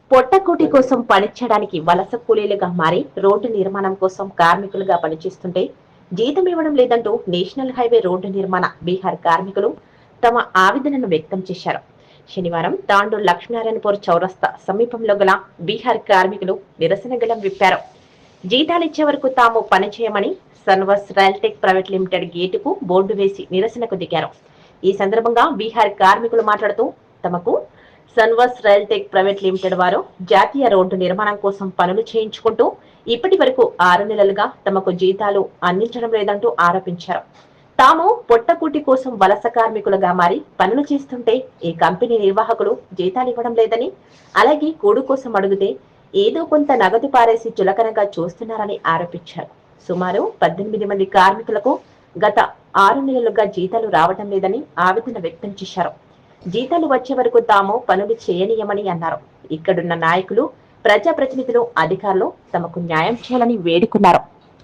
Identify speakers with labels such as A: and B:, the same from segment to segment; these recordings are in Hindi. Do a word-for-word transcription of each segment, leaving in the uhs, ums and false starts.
A: పొట్టకూటి కోసం పనిచేయడానికి వలస కూలీలుగా మారి రోడ్డు నిర్మాణం కోసం కార్మికులుగా పనిచేస్తుంటే జీతం ఇవ్వడం లేదంటూ నేషనల్ హైవే రోడ్డు నిర్మాణ బీహార్ కార్మికులు తమ ఆవేదనను వ్యక్తం చేశారు. శనివారం తాండూరు లక్ష్మీనారాయణపూర్ చౌరస్తా సమీపంలో గల బీహార్ కార్మికులు నిరసన గళం విప్పారు. జీతాలిచ్చే వరకు తాము పనిచేయమని సన్వర్స్ రైల్టెక్ ప్రైవేట్ లిమిటెడ్ గేటుకు బోర్డు వేసి నిరసనకు దిగారు. ఈ సందర్భంగా బీహార్ కార్మికులు మాట్లాడుతూ తమకు సన్వర్స్ రైల్టెక్ ప్రైవేట్ లిమిటెడ్ వారు జాతీయ రోడ్డు నిర్మాణం కోసం పనులు చేయించుకుంటూ ఇప్పటి వరకు ఆరు నెలలుగా తమకు జీతాలు అందించడం లేదంటూ ఆరోపించారు. తాము పొట్టకూటి కోసం వలస కార్మికులుగా మారి పనులు చేస్తుంటే ఈ కంపెనీ నిర్వాహకులు జీతాలు ఇవ్వడం లేదని, అలాగే కూడు కోసం అడిగితే ఏదో కొంత నగదు పారేసి చులకనగా చూస్తున్నారని ఆరోపించారు. సుమారు పద్దెనిమిది మంది కార్మికులకు గత ఆరు నెలలుగా జీతాలు రావడం లేదని ఆవేదన వ్యక్తం చేశారు. జీతాలు వచ్చే వరకు తాము పనులు చేయనీయమని అన్నారు. ఇక్కడున్న నాయకులు, ప్రజాప్రతినిధులు, అధికారులు తమకు న్యాయం చేయాలని వేడుకున్నారు.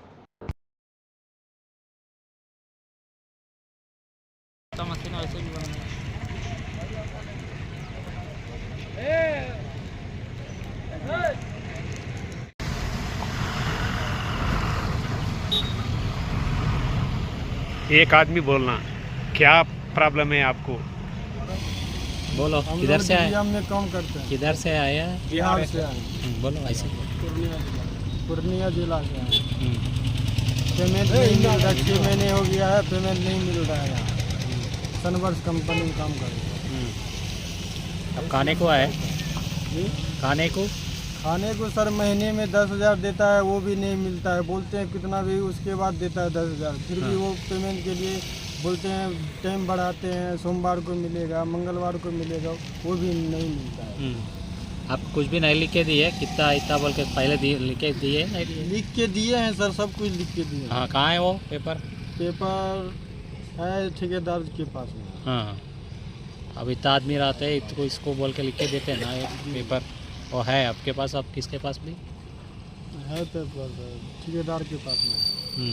B: एक आदमी बोलना, क्या प्रॉब्लम है आपको?
C: बोलो, किधर से आए?
D: हम में काम करते हैं।
C: किधर से आया?
D: बिहार से आए।
C: बोलो ऐसे।
D: पूर्णिया जिला पूर्णिया जिला से आए। पेमेंट नहीं मिल रहा, छः महीने हो गया है, पेमेंट नहीं मिल रहा है। यहाँ सनवर्स कंपनी में काम कर रहे हैं।
C: अब खाने को आए? खाने को
D: खाने को सर महीने में दस हज़ार देता है, वो भी नहीं मिलता है। बोलते हैं कितना भी, उसके बाद देता है दस हज़ार, फिर भी वो पेमेंट के लिए बोलते हैं टाइम बढ़ाते हैं, सोमवार को मिलेगा, मंगलवार को मिलेगा, वो भी नहीं मिलता है।
C: आप कुछ भी नहीं लिख के दिए? कितना इतना बोल के पहले दिए, लिख के दिए? नहीं दिए?
D: लिख के दिए हैं सर, सब कुछ लिख के दिए।
C: हाँ, कहाँ है वो पेपर?
D: पेपर है ठेकेदार के पास में।
C: हाँ, अब इतना आदमी रहते हैं तो इसको बोल के लिख के देते हैं ना ये पेपर। और है आपके पास? आप किसके पास भी
D: है? पेपर ठेकेदार के पास में।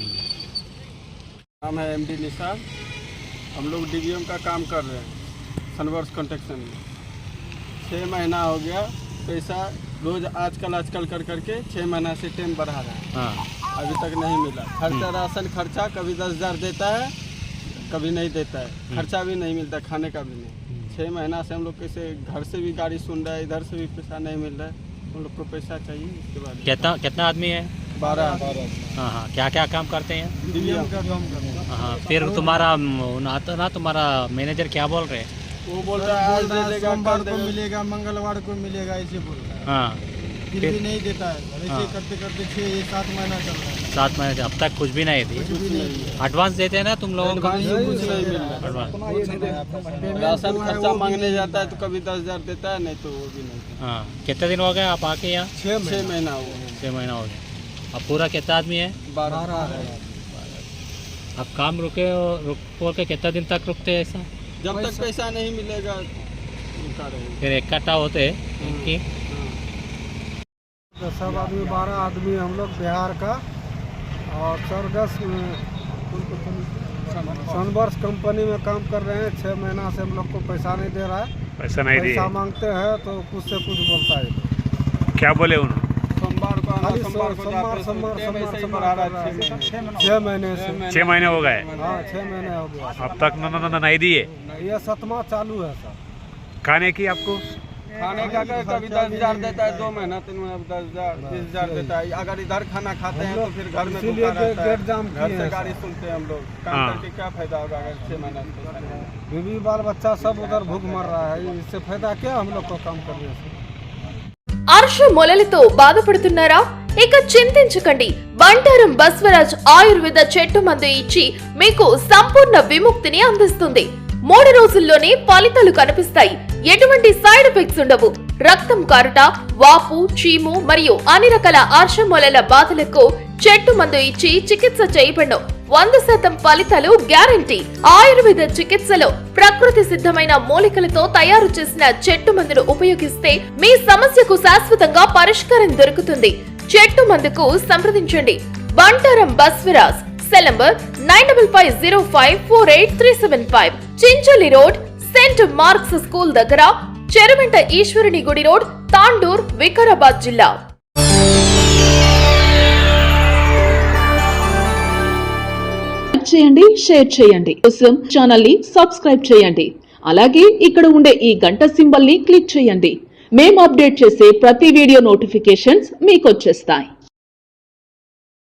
E: नाम है एम डी निसार। हम लोग डी वी एम का काम कर रहे हैं सनवर्स कंस्ट्रक्शन में। छः महीना हो गया, पैसा रोज आजकल आजकल कर करके छः महीना से टाइम बढ़ा रहा है।
C: हाँ,
E: अभी तक नहीं मिला। खर्चा, राशन खर्चा कभी दस हज़ार देता है, कभी नहीं देता है। खर्चा भी नहीं मिलता, खाने का भी नहीं। छः महीना से हम लोग कैसे, घर से भी गाड़ी सुन रहा है, इधर से भी पैसा नहीं मिल रहा है। हम लोग को पैसा चाहिए। इसके बाद
C: कितना कितना आदमी है?
E: बारह।
C: हाँ हाँ, क्या क्या काम करते हैं?
D: डी वी एम का काम करते हैं।
C: हाँ, फिर तुम्हारा ना तो ना तुम्हारा मैनेजर क्या बोल रहे हैं?
E: वो बोल रहा है आज दे देगा,
D: सोमवार
E: कल
D: को
E: देगा।
D: मिलेगा, मंगलवार को मिलेगा, ऐसे बोल रहा है।
C: हाँ,
D: फिर भी नहीं देता है। ऐसे
C: हाँ।
D: करते करते छः सात महीना चल रहा है,
C: सात महीने से अब तक कुछ भी नहीं दिए।
D: कुछ भी नहीं दिया।
C: एडवांस देते हैं ना तुम लोगों को?
E: कुछ नहीं मिल रहा है।
C: एडवांस।
E: राशन खर्चा मांगने जाता है तो कभी दस हज़ार देता है, नहीं तो वो भी नहीं देता।
C: हाँ, कितने दिन हो गए आप आके यहाँ?
D: छः
E: छः महीना हुआ।
C: छः महीना हो गया। अब पूरा कितना आदमी है?
E: बारह।
C: अब काम रुके रुक बोल के कितना दिन तक रुकते हैं ऐसा?
E: जब तक पैसा नहीं मिलेगा रुका रहेगा।
C: फिर इकट्ठा होते हैं इनकी?
D: तो सब आदमी बारह आदमी हम लोग बिहार का, और सरगस सनवर्स कंपनी में काम कर रहे हैं। छः महीना से हम लोग को पैसा नहीं दे रहा है।
B: पैसा नहीं दिए?
D: पैसा मांगते हैं तो कुछ से कुछ बोलता है।
B: क्या बोले उन्होंने?
E: सोमवार को आना,
D: खाली
E: सोमवार को
D: सोमवार
E: जाते,
D: सोमवार
E: टाइम
D: सोमवार
E: ऐसे ही
D: सोमवार
E: बढ़ा रहा
D: कर
E: है।
D: रहा
E: छः
D: है।
E: महीने।
D: छः महीने से।
B: छह महीने हो गए,
D: हाँ, छः महीने हो गया।
B: अब तक न, न, न, नहीं दिए?
D: ये सतमा चालू है सर।
B: खाने की आपको?
E: खाने का क्या, कभी दस हज़ार देता है, दो महीना तीन महीना दस हज़ार बीस हज़ार देता है। अगर इधर खाना खाते हैं तो फिर घर में
D: इसीलिए
E: भूखा रहता है।
D: गेट जाम
E: घर
D: किए
E: से
D: हैं
E: गाड़ी
D: सर।
E: सुनते हैं हम लोग। काम
B: हाँ।
E: करके क्या फायदा होगा अगर छः महीना से पैसा नहीं मिलेगा?
D: बीवी बाल बच्चा सब उधर भूख मर रहा है, इससे फायदा क्या हम लोग को काम करने से।
F: అర్ష మొలలతో బాధపడుతున్నారా? ఇక చింతించకండి. బంటారం బస్వరాజ్ ఆయుర్వేద చెట్టు మందు ఇచ్చి మీకు సంపూర్ణ విముక్తిని అందిస్తుంది. మూడు రోజుల్లోనే ఫలితాలు కనిపిస్తాయి. ఎటువంటి సైడ్ ఎఫెక్ట్స్ ఉండవు. రక్తం కారుట, వాపు, చీము మరియు అన్ని రకాల అర్ష మొలల బాధలకు చెట్టు మందు ఇచ్చి చికిత్స చేయబడను. వంద శాతం ఫలితాలు గ్యారంటీ. ఆయుర్వేద చికిత్సలో ప్రకృతి సిద్ధమైన మూలికలతో తయారు చేసిన చెట్టు మందును ఉపయోగిస్తే మీ సమస్యకు శాశ్వతంగా పరిష్కారం దొరుకుతుంది. చెట్టు మందుకు సంప్రదించండి. Bantaram Baswaraj. Cell number nine double five zero five four eight three seven five. Chincholi road, saint Mark's school దగ్గర, చెరువెంట ఈశ్వరుని గుడి రోడ్, తాండూర్, వికారాబాద్ జిల్లా.
G: చేయండి, షేర్ చేయండి. కోసం ఛానల్ ని సబ్స్క్రైబ్ చేయండి. అలాగే ఇక్కడ ఉండే ఈ గంట సింబల్ ని క్లిక్ చేయండి. మేము అప్డేట్ చేసే ప్రతి వీడియో నోటిఫికేషన్స్ మీకు వచ్చేస్తాయి.